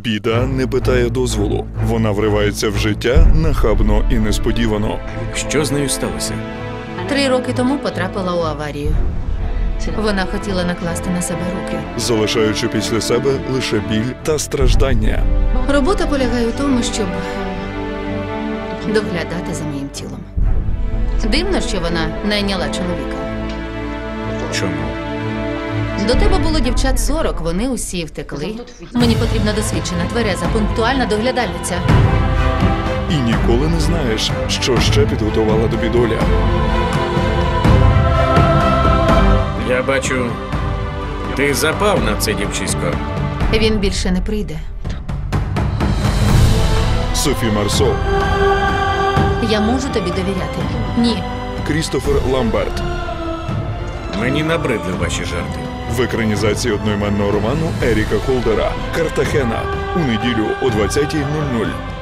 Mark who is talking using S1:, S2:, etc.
S1: Біда не питає дозволу. Вона вривається в життя нахабно і несподівано.
S2: Що з нею сталося?
S3: 3 роки тому потрапила у аварію. Вона хотіла накласти на себе руки.
S1: Залишаючи після себе лише біль та страждання.
S3: Робота полягає у тому, щоб доглядати за моїм тілом. Дивно, що вона найняла чоловіка.
S2: Чому?
S3: До тебе було дівчат 40, вони усі втекли. Мені потрібна досвідчена, твереза, пунктуальна доглядальниця.
S1: І ніколи не знаєш, що ще підготувала тобі доля.
S2: Я бачу, ти запав на це дівчисько.
S3: Він більше не прийде.
S1: Софі Марсо,
S3: Я можу тобі довіряти? Ні.
S1: Крістофер Ламберт.
S2: Мені набридли ваші жарти.
S1: В екранізації одноіменного роману Еріка Холдера «Картахена» у неділю о 20:00.